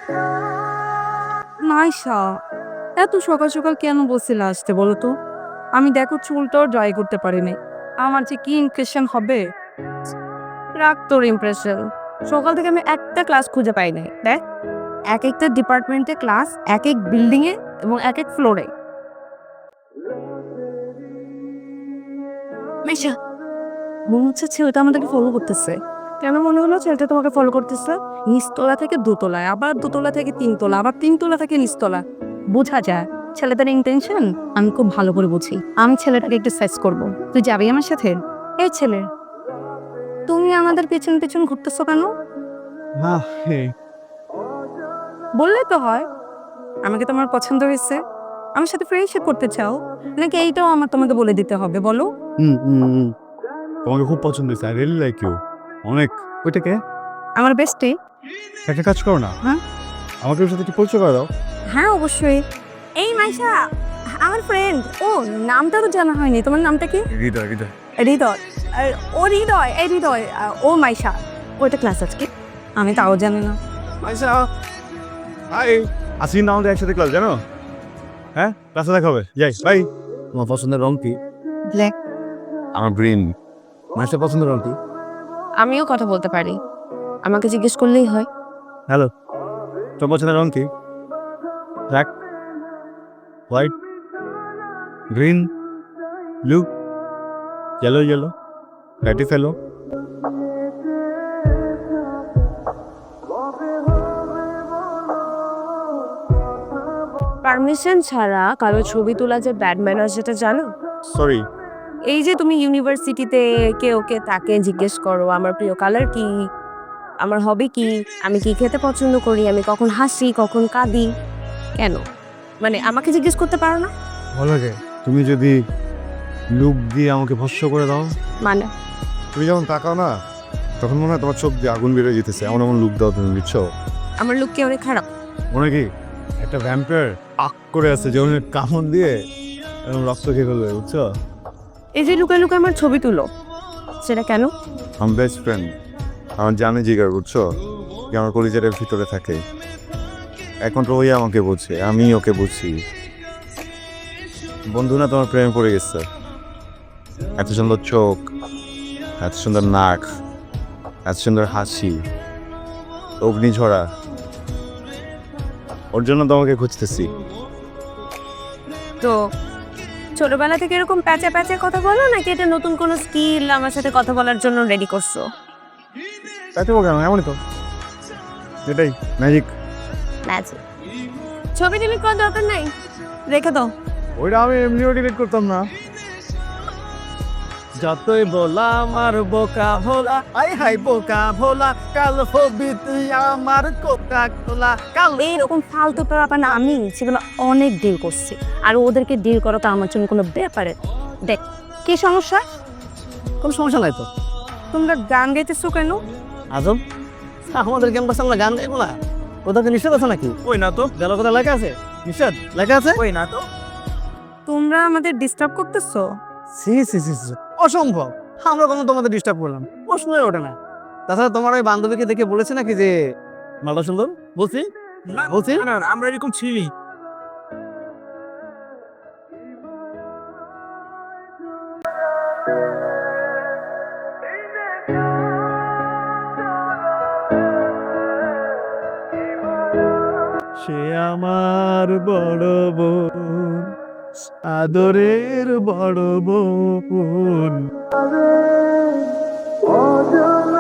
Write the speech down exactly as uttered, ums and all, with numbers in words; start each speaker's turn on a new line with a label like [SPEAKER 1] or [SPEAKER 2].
[SPEAKER 1] নাইসা, এত সকাল সকাল কেন বলছিলে আসতে বলো তো? আমি দেখো চুলটাও ড্রাই করতে পারিনি। আমার যে কি ইমপ্রেশন হবে। রাখ তোর ইমপ্রেশন। সকাল থেকে আমি একটা ক্লাস খুঁজে পাই নাই। দেখ, এক একটা ডিপার্টমেন্টে ক্লাস, এক এক বিল্ডিং এ এবং এক এক ফ্লোরে। মেশা, মনে হচ্ছে ছেলেটা আমাদেরকে ফলো করতেছে। কেন মনে হলো ছেলেটা তোমাকে ফলো করতেছে? নিচতলা থেকে দোতলায়, আবার দোতলা থেকে তিনতলা, আবার তিনতলা থেকে নিচতলা। বোঝা যায় ছেলেটার ইন্টেনশন আমি খুব ভালো করে বুঝি। আমি ছেলেটাকে একটু সাইজ করব। তুই যাবি আমার সাথে? এই ছেলে, তুমি আমাদের পেছন পেছন ঘুরতেছো কেন?
[SPEAKER 2] না, হে
[SPEAKER 1] বললে তো হয় আমাকে তোমার পছন্দ হয়েছে, আমার সাথে ফ্রেন্ডশিপ করতে চাও, নাকি এইটাও আমার তোমাকে বলে দিতে হবে বলো?
[SPEAKER 2] হুম হুম হুম। তোমাকে খুব পছন্দ হয়েছে, আই রিয়েলি লাইক ইউ অনেক। ওইটা কে?
[SPEAKER 1] আমার বেস্টে।
[SPEAKER 2] একটা কাজ করো না,
[SPEAKER 1] হ্যাঁ
[SPEAKER 2] আমাকে ওর সাথে একটু পরিচয় করে দাও।
[SPEAKER 1] হ্যাঁ অবশ্যই। এই মাইশা, আমার ফ্রেন্ড। ও, নামটা তো জানা হয়নি, তোমার নামটা কি?
[SPEAKER 2] হৃদয় হৃদয়।
[SPEAKER 1] হৃদয়। আর ও হৃদয়, এই হৃদয়, আহ, ও মাইশা। ওইটা ক্লাস আজকে, আমি তাও জানি না।
[SPEAKER 2] আচ্ছা, হাই। আসি না আমাদের একসাথে ক্লাস, জানো? হ্যাঁ, ক্লাসে দেখা হবে, যাই বাই। তোমার পছন্দের রং কি?
[SPEAKER 1] ব্ল্যাক।
[SPEAKER 2] আমার গ্রিন। মানুষের পছন্দের রং কি?
[SPEAKER 1] আমিও কথা বলতে পারি, আমাকে জিজ্ঞেস করলেই হয়।
[SPEAKER 2] হ্যালো, তোমার পছন্দের রং কি? Black, white, green, blue, yellow yellow, ready fellow.
[SPEAKER 1] Permission ছাড়া কারো ছবি তোলা যে ব্যাড ম্যানার্স, সেটা জানো?
[SPEAKER 2] সরি।
[SPEAKER 1] এই যে তুমি ইউনিভার্সিটিতে কে ওকে তাকে জিজ্ঞেস করো আমার প্রিয় কালার কি, আমার হবি কি, আমি কি খেতে পছন্দ করি, আমি কখন হাসি কখন কাঁদি, কেন? মানে আমাকে জিজ্ঞেস করতে পারো না?
[SPEAKER 2] ভালো লাগে তুমি যদি লুক দিয়ে আমাকে ভস্য করে দাও।
[SPEAKER 1] মানে
[SPEAKER 2] তুমি যখন তাকাও না, তখন মনে হয় তোমার চোখ দিয়ে আগুন বেরোয় যেতেছে, এমন এমন লুক দাও তুমি, বুঝছো?
[SPEAKER 1] আমার লুক কি অনেক খারাপ?
[SPEAKER 2] মনে কি একটা ভ্যাম্পায়ার আক করে আছে, যেমন কামড় দিয়ে এরকম রক্ত খেয়ে ফেলবে, বুঝছো?
[SPEAKER 1] এই যে লুকায় লুকায় আমার ছবি তুলো, সেটা কেন?
[SPEAKER 2] আমার বেস্ট ফ্রেন্ড আমার জানে জিগার, বুঝছো? যে আমার কলিজারের ভিতরে থাকে। এখন তো ওই আমাকে বুঝছে, আমি ওকে বুঝছি। বন্ধু না, তোমার প্রেমে পড়ে গেছে। এত সুন্দর চোখ, এত সুন্দর নাক, এত সুন্দর হাসি, অগ্নিঝরা। ওর জন্য তোমাকে খুঁজতেছি।
[SPEAKER 1] তো ছোটবেলা থেকে এরকম প্যাচা প্যাচা কথা বলো, নাকি এটা নতুন কোনো স্কিল আমার সাথে কথা বলার জন্য রেডি করছো?
[SPEAKER 2] তাই তো কেন, এমনই তো, এটাই ম্যাজিক।
[SPEAKER 1] ম্যাজিক। ছবি ডিলিট করার দরকার নাই, রেখে দাও।
[SPEAKER 2] ওইটা আমি এমনিও ডিলিট করতাম না।
[SPEAKER 3] যতই বললাম আর বোকা ভোলা, আই হাই বোকা ভোলা, কাল হবি তুই আমার কোকা কোলা কাল।
[SPEAKER 1] এইরকম ফালতু ব্যাপার না, আমি সেগুলো অনেক ডিল করছি, আর ওদেরকে ডিল করা তো আমার জন্য কোনো ব্যাপারে। দেখ, কি সমস্যা?
[SPEAKER 3] কোনো সমস্যা নাই তো।
[SPEAKER 1] তোমরা গান গাইতেছো কেন?
[SPEAKER 3] আজব, আমাদের ক্যাম্পাসে আমরা গান গাইবো না? কোথাও কি নিষেধ আছে নাকি?
[SPEAKER 4] ওই না তো,
[SPEAKER 3] গেল কোথাও লেখা আছে নিষেধ? লেখা আছে?
[SPEAKER 4] ওই না তো।
[SPEAKER 1] তোমরা আমাদের ডিস্টার্ব করতেছো।
[SPEAKER 3] সি সি সি সি, অসম্ভব। আমরা কোনো তোমাদের ডিস্টার্ব করলাম? প্রশ্নই ওঠে না। তাছাড়া তোমার ওই বান্ধবীকে দেখে বলেছে নাকি যে মালটা সুন্দর? বলছি
[SPEAKER 4] না,
[SPEAKER 3] বলছি
[SPEAKER 4] না, না, আমরা এরকম ছিলি।
[SPEAKER 3] সে আমার বড় বোন, আদরের বড় বোন।